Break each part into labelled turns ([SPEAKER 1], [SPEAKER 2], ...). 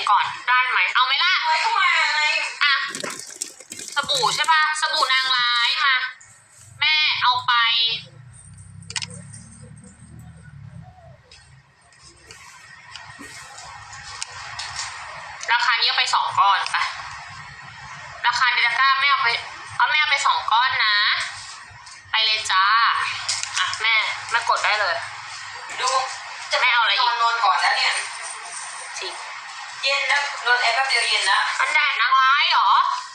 [SPEAKER 1] ก่อนได้ไหมเอาไหมล่ะ
[SPEAKER 2] ไว้เข้ามาอะไร
[SPEAKER 1] อ่ะสบู่ใช่ปะสบู่นางร้ายมาแม่เอาไปราคานี้เอาไป2 ก้อนไปราคาในตะกร้าแม่เอาไป2 ก้อนนะไปเลยจ้าอ่ะแม่กดได้เลย
[SPEAKER 2] ดูจะ
[SPEAKER 1] ไม่เอาอะไรอีก
[SPEAKER 2] นอนก่อนแล้วเนี่ย
[SPEAKER 1] จริง
[SPEAKER 2] เย็นแล้วนอนแป๊บเดียวเย็นแล้ว
[SPEAKER 1] มันแดดนางร้ายเหรอ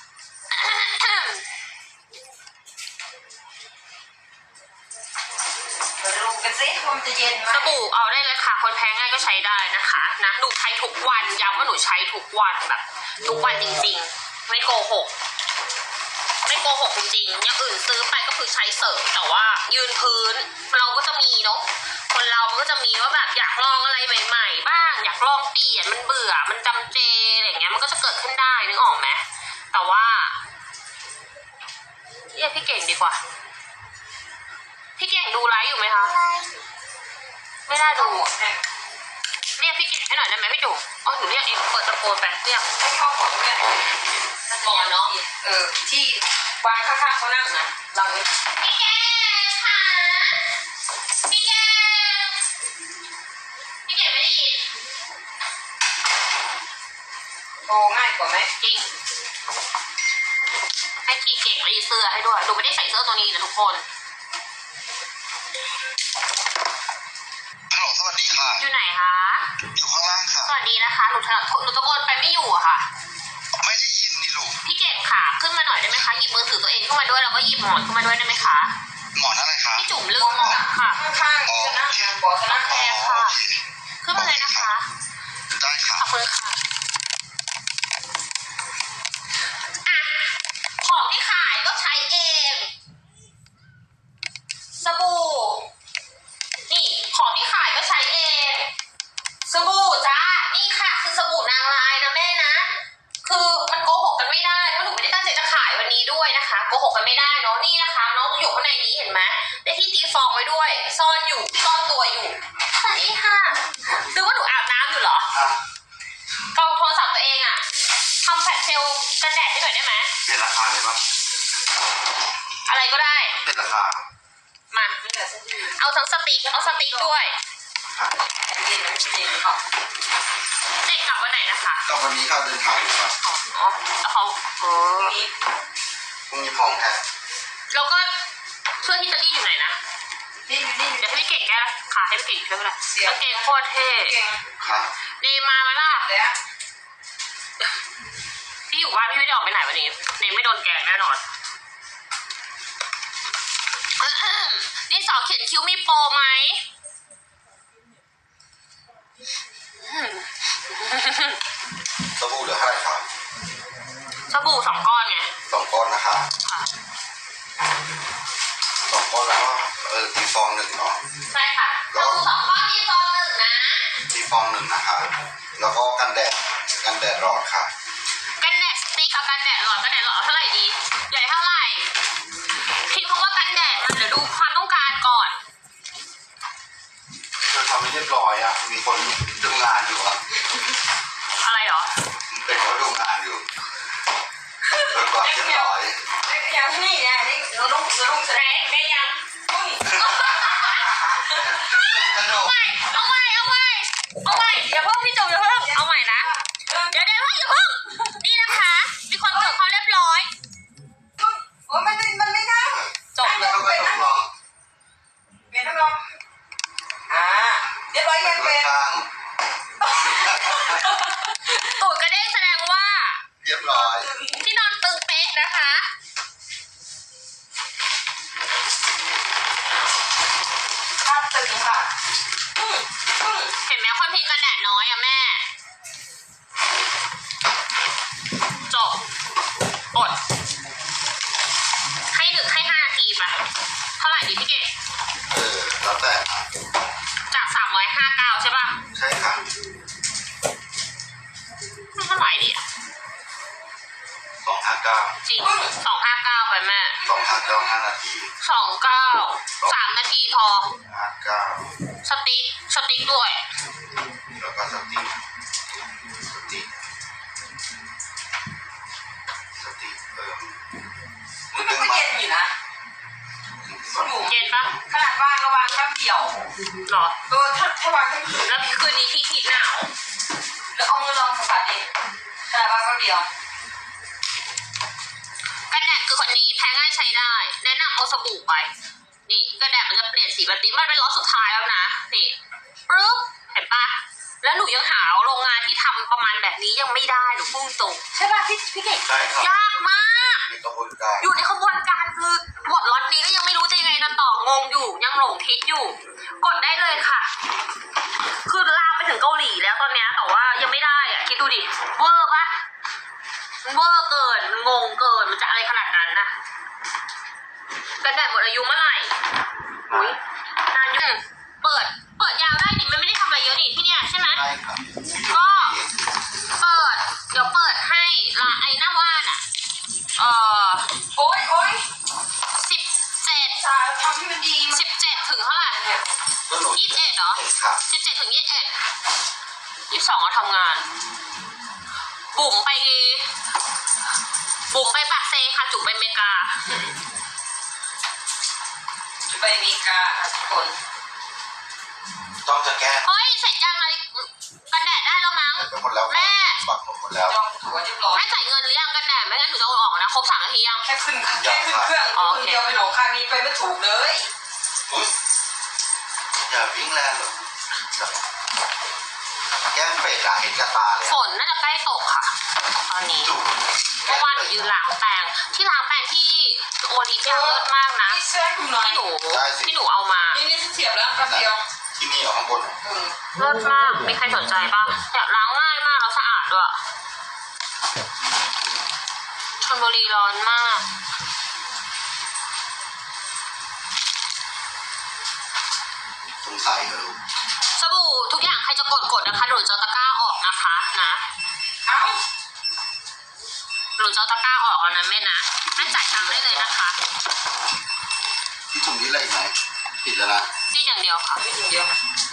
[SPEAKER 2] มาดูกันสิว่ามันจะเย็นไหม
[SPEAKER 1] สบู่เอาได้เลยค่ะคนแพ้ง่ายก็ใช้ได้นะคะนะหนูใช้ทุกวันย้ำว่าหนูใช้ทุกวันแบบทุกวันจริงๆไม่โกหกจริงๆอย่างอื่นซื้อไปก็คือใช้เสริมแต่ว่ายืนพื้นเราก็จะมีเนาะคนเรามันก็จะมีว่าแบบอยากลองอะไรใหม่ๆบ้างอยากลองเปลี่ยนมันเบื่อมันจำเจอะไรอย่างเงี้ยมันก็จะเกิดขึ้นได้นึกออกไหมแต่ว่าเรียกพี่เก่งดีกว่าพี่เก่งดูไลฟ์อยู่ไหมคะไม่ได้ดู เรียกพี่เก่งให้หน่อยได้ไหมพี่จุ๋มอ๋อหนูเรียกเองเปิดตะโกนไปเรียก
[SPEAKER 2] ไม่เข้าหมดเนี่ย
[SPEAKER 1] หมอนเนาะ
[SPEAKER 2] ที่วางข้างๆเขานั่งนะหลังนี้
[SPEAKER 1] พี่แกค่ะพี่แกไม่ได้ยิน
[SPEAKER 2] โอ้ง่ายกว่าไหม
[SPEAKER 1] จริงให้พี่เก่งรีดเสื้อให้ด้วยหนูไม่ได้ใส่เสื้อตัวนี้นะทุกคน
[SPEAKER 3] ฮัลโหลสวัสดีค่ะ
[SPEAKER 1] อยู่ไหนคะ
[SPEAKER 3] อยู่ข้างล่างค่ะ
[SPEAKER 1] สวัสดีนะคะหนูตะโกนไปไม่อยู่อะค่ะ
[SPEAKER 3] ไม่ได้ยินนี่ลูก
[SPEAKER 1] พี่เก่งค่ะขึ้นมาหน่อยได้ไหมคะหยิบมือถือตัวเองขึ้นมาด้วยแล้วก็หยิบหมอนขึ้นมาด้วยได้ไหมคะ
[SPEAKER 3] หมอนอะไรคะ
[SPEAKER 1] พี่จุ๋มลืมหมอนค่ะ
[SPEAKER 2] ข้างๆจะนั่งบอกจะนั่ง
[SPEAKER 1] โอเคค่ะ
[SPEAKER 3] โอเค
[SPEAKER 1] ขึ้นมาเลยนะคะ
[SPEAKER 3] ได้ค่ะ
[SPEAKER 1] ขอบคุณค่ะอ่ะของที่ขายก็ใช้เองสบู่นี่ของที่ขายก็ใช้เองสบู่จ้านี่ค่ะคือสบู่นางร้ายนะแม่นะคือมันโกหกกันไม่ได้เพราะหนูไม่ได้ตั้งใจจะขายวันนี้ด้วยนะคะโกหกกันไม่ได้เนาะนี่นะคะน้องอยู่ข้างในนี้เห็นไหมได้ที่ตีฟองไว้ด้วยซ่อนตัวอยู่สวัสดีค่ะหรือว่าหนูอาบน้ำอยู่เหรอ กล้องโทรศัพท์ตัวเองอะทำแฟลชเซลล์กันแดดให้หน่อยได้ไหม
[SPEAKER 3] เปลี่ยนราคาเลยปะ
[SPEAKER 1] อะไรก็ได้
[SPEAKER 3] เปลี่ยนราคา
[SPEAKER 1] มา เอาทั้งสติ๊กเอาสติ๊กด้วย
[SPEAKER 3] ค่ะ
[SPEAKER 2] เย็นนะเย็นเขา
[SPEAKER 1] เด็กกลับวันไหนนะคะ
[SPEAKER 3] กับวันนี้ค่ะเดินทางอยู่ค่ะ
[SPEAKER 1] อ๋อแล้วเขา
[SPEAKER 2] นี้
[SPEAKER 3] พรุ่งนี้พร้อมแค่
[SPEAKER 1] แล้วก็เสื้อที่จะรีดอยู่ไหนนะ
[SPEAKER 2] นี่
[SPEAKER 1] เดี๋ยวให้พี่เก่งแก้ขาให้พี่เก่งช่วยก็ได้กางเกงโคตรเท่
[SPEAKER 2] เก่ง
[SPEAKER 3] ค่ะ
[SPEAKER 1] เนมมาไหมล่ะ
[SPEAKER 2] แล้ว
[SPEAKER 1] พี่อยู่บ้านพี่ไม่ได้ออกไปไหนวันนี้เนมไม่โดนแกล้งแน่นอนนี่สอเขียนคิ้วมีโปรไหม
[SPEAKER 3] สบู่เหลือเท่าไหร่คะ
[SPEAKER 1] สบู่2 ก้อนไง
[SPEAKER 3] 2 ก้อนนะคะ
[SPEAKER 1] ค่ะ
[SPEAKER 3] 2 ก้อนแล้วก็ตีฟอง1เนาะ
[SPEAKER 1] ใช่ค่ะสบู่2 ก้อนที่ซอง1นะ
[SPEAKER 3] ตีฟอง1นะคะ แล้วก็กันแดดหลอดค่ะ
[SPEAKER 1] กันแดดสติ๊กกับกันแดดหลอดเท่าไหร่ดีใหญ่เท่าไหร่พิมพ์คำว่ากันแดดมันเดี๋ยวดูความต้องการก่อน
[SPEAKER 3] เธอทำไม่เรียบร้อยอ่ะ มีคนดูงานอยู่อ่ะ
[SPEAKER 1] อะไรเหรอ
[SPEAKER 3] เป็นเขาดูงานอยู่เธอความเรียบร้อย
[SPEAKER 2] อย่างนี้นะนี่เราต้องแสดง
[SPEAKER 1] ได้ยัง
[SPEAKER 2] อุ้ย
[SPEAKER 3] สนุก
[SPEAKER 1] เอาใหม่อย่าเพิ่งพี่จุ๋มอย่าเพิ่งเอาใหม่นะเดี๋ยวอย่าเพิ่งนี่นะคะมีคนตรวจความเรียบร้อย
[SPEAKER 2] โอ้ยมันไม่นั่ง
[SPEAKER 1] จบเลย
[SPEAKER 3] แล้วก็ต้องลอง
[SPEAKER 2] เปลี่ยนน้ำลมเรียบร้อยยังเป็น
[SPEAKER 3] ข้าง
[SPEAKER 1] ตูดกระเด้งแสดงว่า
[SPEAKER 3] เรียบร้อย
[SPEAKER 1] ที่นอนตึงเป๊ะนะคะ
[SPEAKER 2] ภาพตึงค่ะ
[SPEAKER 1] เห็นไหมคนพิมพ์กันแดดน้อยอะแม่จบอดให้5 นาทีไปเท่าไหร่ดีพี่เก๋
[SPEAKER 3] แล้วแต่
[SPEAKER 1] จาก359ใช่ป่ะ
[SPEAKER 3] ใช่ค่ะ
[SPEAKER 1] เท่าไหร่ดีอะ
[SPEAKER 3] 259
[SPEAKER 1] จริง259ไปแม่
[SPEAKER 3] 259 5 นาที
[SPEAKER 1] 29 3 นาทีพอ
[SPEAKER 3] 59
[SPEAKER 1] สติ๊กด้วย
[SPEAKER 3] แล้วก็สติ๊ก
[SPEAKER 2] แป๊บเดียว
[SPEAKER 1] หรอ
[SPEAKER 2] ถ้าวางแค่คืน
[SPEAKER 1] แล้วคืนนี้ที่หนาว
[SPEAKER 2] แล้วเอามือลองสัมผัสดิขนาดวางแป๊บเดียว
[SPEAKER 1] กันแดดคือคนนี้แพ้ง่ายใช้ได้ แนะนำเอาสบู่ไป นี่กันแดดมันจะเปลี่ยนสีแบบนี้มันเป็นล็อตสุดท้ายแล้วนะนี่ปึ๊บเห็นปะแล้วหนูยังหาโรงงานที่ทำประมาณแบบนี้ยังไม่ได้หนูพุ่งตรงใช่ป่ะพี่เก่ง
[SPEAKER 3] ใช่ครับ
[SPEAKER 1] ยากมาก
[SPEAKER 3] มีกระบวนการ
[SPEAKER 1] อยู่ในขบวนการคือหมดล็อตนี้ก็ยังไม่รู้จะยังไงจะต่องงอยู่ยังหลงทิศอยู่ กดได้เลยค่ะ คือลามไปถึงเกาหลีแล้วตอนเนี้ยแต่ว่ายังไม่ได้อ่ะคิดดูดิเวอร์ปะมันเวอร์เกินงงเกินมันจะอะไรขนาดนั้นนะกันแดดหมดอายุเมื่อไหร่อุ้ยนานอยู่เปิดยาวได้ดิมันไม่ได้ทำอะไรเยอะดิที่เนี้ยใช่ไหม
[SPEAKER 3] ใช่ครับ
[SPEAKER 1] ก็เดี๋ยวเปิดให้ละไอ้หน้าว่านอ่ะ
[SPEAKER 2] โอ๊ย
[SPEAKER 1] 17
[SPEAKER 2] สาทำให้มันดี
[SPEAKER 1] 17ถึงเท่าไหร่
[SPEAKER 3] ก็หนู
[SPEAKER 1] 21เหรอ
[SPEAKER 3] ครับ
[SPEAKER 1] 17ถึง21 22เราทำงาน บุ๋มไปปากเซค่ะจุ๋มไปอเมริกา
[SPEAKER 2] จะไปอเมริกาทุกคน
[SPEAKER 3] ต้องจะแก้
[SPEAKER 1] เฮ้ยเสร็จยังอะไรกันแดดได้แล้วมั้ง
[SPEAKER 3] ไปหมดแล้ว
[SPEAKER 1] แม่
[SPEAKER 3] ปักหมดแล้ว
[SPEAKER 2] จองตั๋วเรียบร้อย
[SPEAKER 1] แม่จ่ายเงินหรือยังกันแดดไม่งั้นหนูจะเอาออกนะครบ3 นาทียัง
[SPEAKER 2] แค่ขึ้นเครื่องคนเดียวไปหลงคานี้ไปไม่ถูกเลย
[SPEAKER 3] อุ๊ยอย่าวิ่งแรงหรอกแก้มเป็ดอะเห็นกระตาเลย
[SPEAKER 1] ฝนน่าจะใกล้ตกค่ะ ตอนนี้
[SPEAKER 3] จุ๊บ
[SPEAKER 1] เมื่อวานหนูยืนล้างแปรงที่ล้างแปรงที่โอดีเลิศมากนะ
[SPEAKER 2] นี่เสื้อให้คุณหน่อย
[SPEAKER 1] ที่หนูเอามา
[SPEAKER 2] นี่เสียบแล้วแป๊บเดียว
[SPEAKER 3] ที่นี่เอาข้างบน
[SPEAKER 1] เลิศมากมีใครสนใจป่ะแบบล้างง่ายมากแล้วสะอาดด้วยชลบุรีร้อนมาก
[SPEAKER 3] สงสัยเหรอลูก
[SPEAKER 1] สบู่ทุกอย่างใครจะกดนะคะหนูจะเอาตะกร้าออกนะคะนะ
[SPEAKER 2] เอ้า
[SPEAKER 1] หนูจะเอาตะกร้าออกแล้วนะแม่นะแม่จ่ายตังค์ได้เลยนะคะ
[SPEAKER 3] ที่ตรงนี้อะไรอีกไหมปิดแล้วนะ
[SPEAKER 1] นี่อย่างเดียวค่ะ
[SPEAKER 2] ไม่ถึงเดียว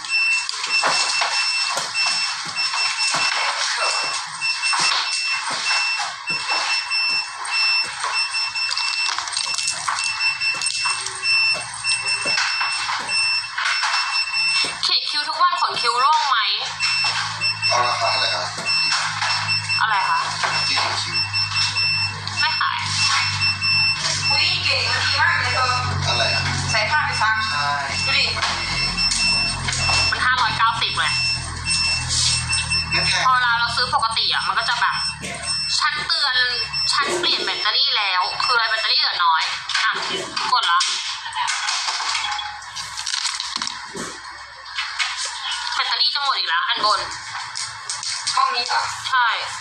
[SPEAKER 1] เขียนคิ้วทุกวันขนคิ้วร่วงไหม
[SPEAKER 3] เอาราคาเท่าไหร่ครับ
[SPEAKER 1] อะไรคะ
[SPEAKER 3] ที่ถึงคิว
[SPEAKER 1] ไม่ขาย
[SPEAKER 2] อุ้ยเก๋มันดีมากเลยเธอ
[SPEAKER 3] อะไรอ่ะ
[SPEAKER 2] ใส่ผ้าไปซัก
[SPEAKER 3] ใช่
[SPEAKER 2] ดูดิ
[SPEAKER 1] มัน590เลย
[SPEAKER 3] งั้นแค่
[SPEAKER 1] พอเราซื้อปกติอ่ะมันก็จะแบบฉันเตือนฉันเปลี่ยนแบตเตอรี่แล้ว คืออะไรแบตเตอรี่เหลือน้อยอ่ะกดละแบตเตอรี่จะหมดอีกแล้วอันบน
[SPEAKER 2] ห้องนี้ป่ะ
[SPEAKER 1] ใช่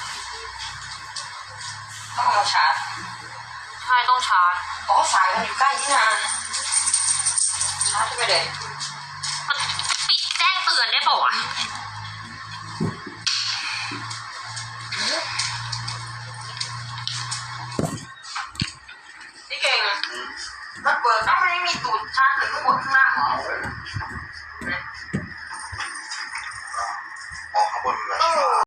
[SPEAKER 2] ต้องเอามาชาร์จ
[SPEAKER 1] ใช่ต้องชาร์จ
[SPEAKER 2] อ๋อสายมันอยู่ใกล้ที่นาชาร์จไปเลย
[SPEAKER 1] มันปิดแจ้งเตือนได้ป่าวะ